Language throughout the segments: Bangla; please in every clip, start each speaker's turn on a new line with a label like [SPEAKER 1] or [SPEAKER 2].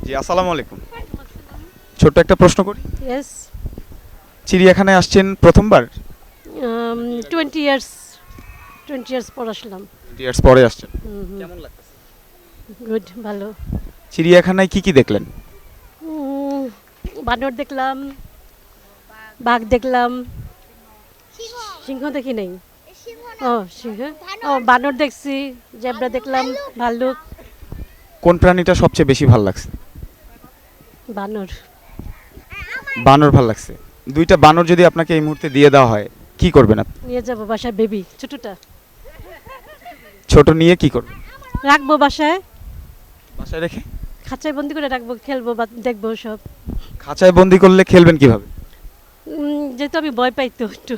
[SPEAKER 1] জি, আসসালামু আলাইকুম। ছোট্ট একটা প্রশ্ন করি।
[SPEAKER 2] Yes,
[SPEAKER 1] চিড়িয়াখানায় আসছেন প্রথমবার?
[SPEAKER 2] 20 years, 20 years পর আসলাম।
[SPEAKER 1] 20 ইয়ার্স পরে আসছেন।
[SPEAKER 2] হুম,
[SPEAKER 1] কেমন লাগতেছে?
[SPEAKER 2] গুড, ভালো।
[SPEAKER 1] চিড়িয়াখানায় কি কি দেখলেন?
[SPEAKER 2] উম, বানর দেখলাম, বাঘ দেখলাম, সিংহ দেখি নাই। ও সিংহ, ও বানর দেখছি, জেব্রা দেখলাম, ভাল্লুক,
[SPEAKER 1] কোন প্রাণীটা সবচেয়ে বেশি ভালো লাগছে?
[SPEAKER 2] বানর।
[SPEAKER 1] বানর ভালো লাগছে। দুইটা বানর যদি আপনাকে এই মুহূর্তে দিয়ে দেওয়া হয়, কি করবেন আপনি?
[SPEAKER 2] নিয়ে যাবো বাসায়, বেবি ছোটটা
[SPEAKER 1] ছোট নিয়ে কি করবেন?
[SPEAKER 2] রাখবো বাসায়,
[SPEAKER 1] বাসায় রেখে?
[SPEAKER 2] খাঁচায় বন্দি করে রাখবো, খেলবো বা দেখবো সব।
[SPEAKER 1] খাঁচায় বন্দি করলে খেলবেন কিভাবে?
[SPEAKER 2] যেহেতু আমি ভয় পাই তো একটু।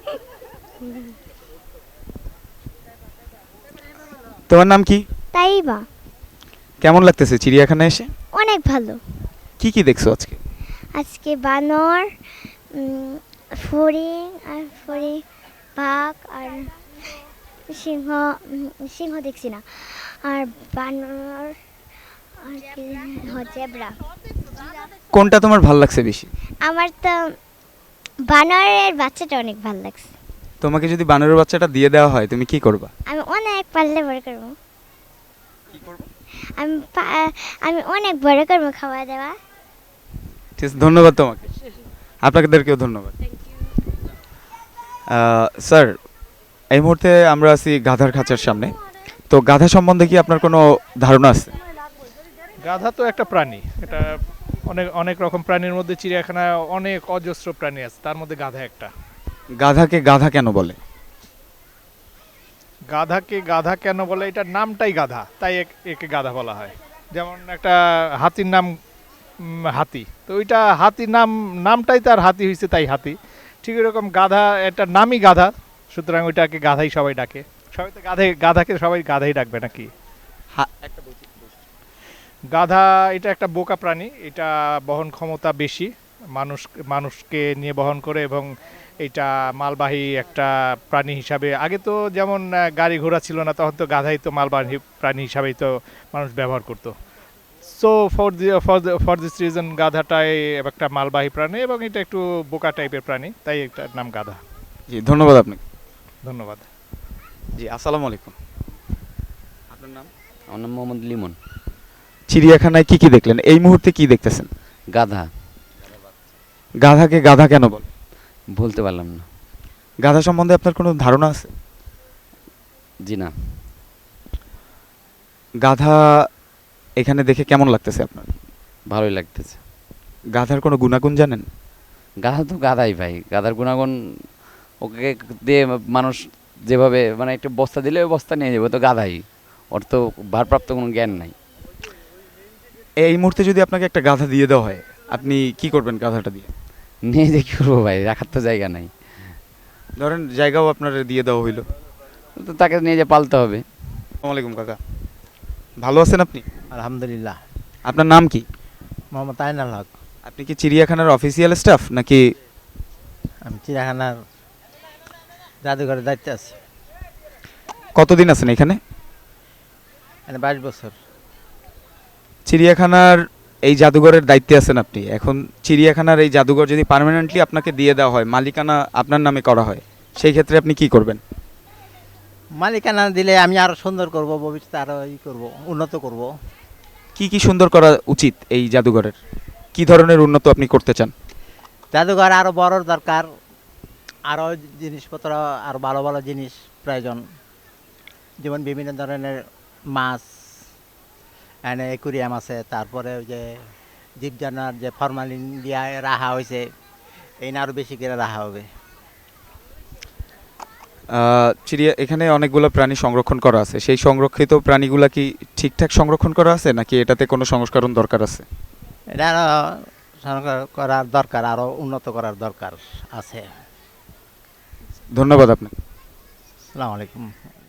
[SPEAKER 1] তোমার নাম কি?
[SPEAKER 3] তাইবা
[SPEAKER 1] কেমন লাগতেছে চিড়িয়াখানায় এসে?
[SPEAKER 3] অনেক ভালো।
[SPEAKER 1] কি কি দেখছো আজকে?
[SPEAKER 3] আজকে বানর, ফড়িং আর বাঘ আর সিংহ। সিংহ দেখছি না। আর বানর আর কি, জেব্রা।
[SPEAKER 1] কোনটা তোমার ভালো লাগছে বেশি?
[SPEAKER 3] আমার তো বানরের বাচ্চাটা অনেক ভালো লাগছে।
[SPEAKER 1] তোমাকে যদি বানরের বাচ্চাটা দিয়ে দেওয়া হয় তুমি কি করবা?
[SPEAKER 3] আমি অনেক পারলে বড় করবো। আমি আমি অনেক বড় করবো খাওয়া দাওয়া।
[SPEAKER 1] ঠিক আছে, ধন্যবাদ তোমাকে। আপনাদেরকেও ধন্যবাদ। স্যার, এই মুহূর্তে আমরা আছি গাধার খাঁচার সামনে। তো গাধা সম্বন্ধে কি আপনার কোনো ধারণা আছে?
[SPEAKER 4] গাধা তো একটা প্রাণী, এটা অনেক অনেক রকম প্রাণীর মধ্যে চিড়িয়াখানায় অনেক অজস্র প্রাণী আছে, তার মধ্যে গাধা একটা।
[SPEAKER 1] গাধাকে গাধা কেন বলে?
[SPEAKER 4] গাধাকে গাধা কেন বলে, এটার নামটাই গাধা, তাই একে গাধা বলা হয়। যেমন একটা হাতির নাম হাতি, তো ওইটা হাতির নামটাই তার হাতি হয়েছে, তাই হাতি। ঠিক এরকম গাধা, এটার নামই গাধা, সুতরাং ওইটাকে গাধাই সবাই ডাকে। সবাই তো গাধাকে সবাই গাধাই ডাকবে নাকি? গাধা এটা একটা বোকা প্রাণী, এটা বহন ক্ষমতা বেশি, মানুষকে নিয়ে বহন করে, এবং এটা মালবাহী একটা প্রাণী হিসাবে। আগে তো যেমন গাড়ি ঘোড়া ছিল না, তখন তো গাধাই তো মালবাহী প্রাণী হিসাবেই তো মানুষ ব্যবহার করতো। সো ফর দিস রিজন গাধাটাই একটা মালবাহী প্রাণী, এবং এটা একটু বোকা টাইপের প্রাণী, তাই এটার নাম গাধা।
[SPEAKER 1] জি, ধন্যবাদ আপনাকে।
[SPEAKER 4] ধন্যবাদ।
[SPEAKER 1] জি, আসসালামু আলাইকুম। আপনার নাম?
[SPEAKER 5] আমার নাম মোহাম্মদ লিমন।
[SPEAKER 1] চিড়িয়াখানায় কি কি দেখলেন? এই মুহূর্তে কি দেখতেছেন?
[SPEAKER 5] গাধা।
[SPEAKER 1] গাধাকে গাধা কেন বলে?
[SPEAKER 5] বলতে পারলাম না।
[SPEAKER 1] গাধা সম্বন্ধে আপনার কোনো ধারণা আছে?
[SPEAKER 5] জি না।
[SPEAKER 1] গাধা এখানে দেখে কেমন লাগতেছে আপনার?
[SPEAKER 5] ভালোই লাগতেছে।
[SPEAKER 1] গাধার কোনো গুণাগুণ জানেন?
[SPEAKER 5] গাধা তো গাধাই ভাই, গাধার গুণাগুণ ওকে দিয়ে মানুষ যেভাবে মানে একটা বস্তা দিলে ওই বস্তা নিয়ে যাবে, তো গাধাই। ওর তো ভারপ্রাপ্ত কোনো জ্ঞান নাই।
[SPEAKER 1] এই মুহূর্তে যদি আপনাকে একটা গাধা দিয়ে দেওয়া হয়, আপনি কি করবেন গাধাটা দিয়ে?
[SPEAKER 5] নিয়ে যে কী করবো ভাই, রাখার তো জায়গা নাই।
[SPEAKER 1] ধরেন জায়গাও আপনার দিয়ে দেওয়া হইলো।
[SPEAKER 5] তো তাকে নিয়ে যে পালতে হবে।
[SPEAKER 1] আসসালামু আলাইকুম কাকা, ভালো আছেন আপনি?
[SPEAKER 6] আলহামদুলিল্লাহ।
[SPEAKER 1] আপনার নাম কি?
[SPEAKER 6] মোহাম্মদ আইনাল হক।
[SPEAKER 1] আপনি কি চিড়িয়াখানার অফিসিয়াল স্টাফ নাকি?
[SPEAKER 6] আমি চিড়িয়াখানার জাদুঘরের দায়িত্বে আছি।
[SPEAKER 1] কতদিন আছেন এখানে?
[SPEAKER 6] মানে 22 বছর।
[SPEAKER 1] চিড়িয়াখানার এই জাদুঘরের দায়িত্বে আছেন আপনি। এখন চিড়িয়াখানার এই জাদুঘর যদি পার্মানেন্টলি আপনাকে দিয়ে দেওয়া হয়, মালিকানা আপনার নামে করা হয়, সেই ক্ষেত্রে আপনি কি করবেন?
[SPEAKER 6] মালিকানা দিলে আমি আরো সুন্দর করব, ভবিষ্যতে আরো করব, উন্নত করব।
[SPEAKER 1] কি কি সুন্দর করা উচিত এই জাদুঘরের? কি ধরনের উন্নত আপনি করতে চান?
[SPEAKER 6] জাদুঘর আরো বড় দরকার, আরো জিনিসপত্র, আরো ভালো ভালো জিনিস প্রয়োজন। যেমন বিভিন্ন ধরনের মাছ, এনে অ্যাকুরিয়াম আছে, তারপরে ওই যে জীবজনার যে ফরমালিন দিয়া রাখা হয়েছে, এই না আরো বেশি করে রাখা হবে।
[SPEAKER 1] এখানে অনেকগুলো প্রাণী সংরক্ষণ করা আছে, সেই সংরক্ষিত প্রাণীগুলা কি ঠিকঠাক সংরক্ষণ করা আছে নাকি এটাতে কোনো সংস্করণ দরকার আছে?
[SPEAKER 6] এটা আরো সংস্কার করার দরকার, আরো উন্নত করার দরকার আছে।
[SPEAKER 1] ধন্যবাদ আপনাকে।
[SPEAKER 6] আসসালামু আলাইকুম।